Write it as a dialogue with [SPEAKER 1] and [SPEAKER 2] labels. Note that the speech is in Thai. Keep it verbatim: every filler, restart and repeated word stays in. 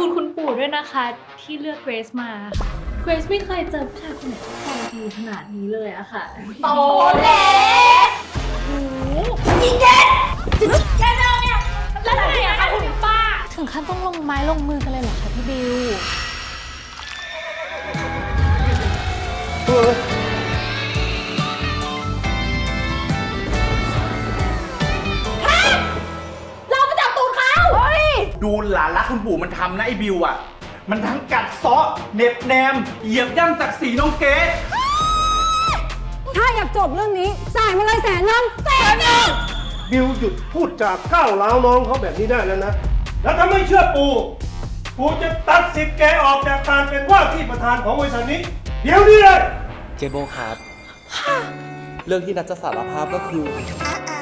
[SPEAKER 1] คุณคุณปู่ด้วยนะคะที่เลือกเกรซมาค่ะเกรซไม่เคยเจอผู้ชายคนไหนที่ใจดีขนาดนี้เลยอะค่ะโตแล้วโอ้ยเด็ดแค่เดินเนี่ยแล้วทำไมอะคะคุณป้าถึงขั้นต้องลงไม้ลงมือกันเลยเหรอคะพี่บิวเราไปจับตูดเขา
[SPEAKER 2] ดูหลานรักคุณปู่มันทำนะไอ้บิวอ่ะมันทั้งกัดเซาะเน็บแนมเหยียบย่ำศักดิ์ศรีน้องเกด
[SPEAKER 3] ถ้าอยากจบเรื่องนี้จ่ายมาเลยแสนนึงแสนนึง
[SPEAKER 4] บิวหยุดพูดจากก้าวร้าวน้องเขาแบบนี้ได้แล้วนะ แล้วถ้าไม่เชื่อปู่ปู่จะตัดสิทธิ์แกออกจากการเป็นว่าที่ประธานของบริษัทนี้ เดี๋ยวนี้เลย
[SPEAKER 5] เจโบครับ เรื่องที่นัทจะสารภาพก็คือ
[SPEAKER 6] อ่า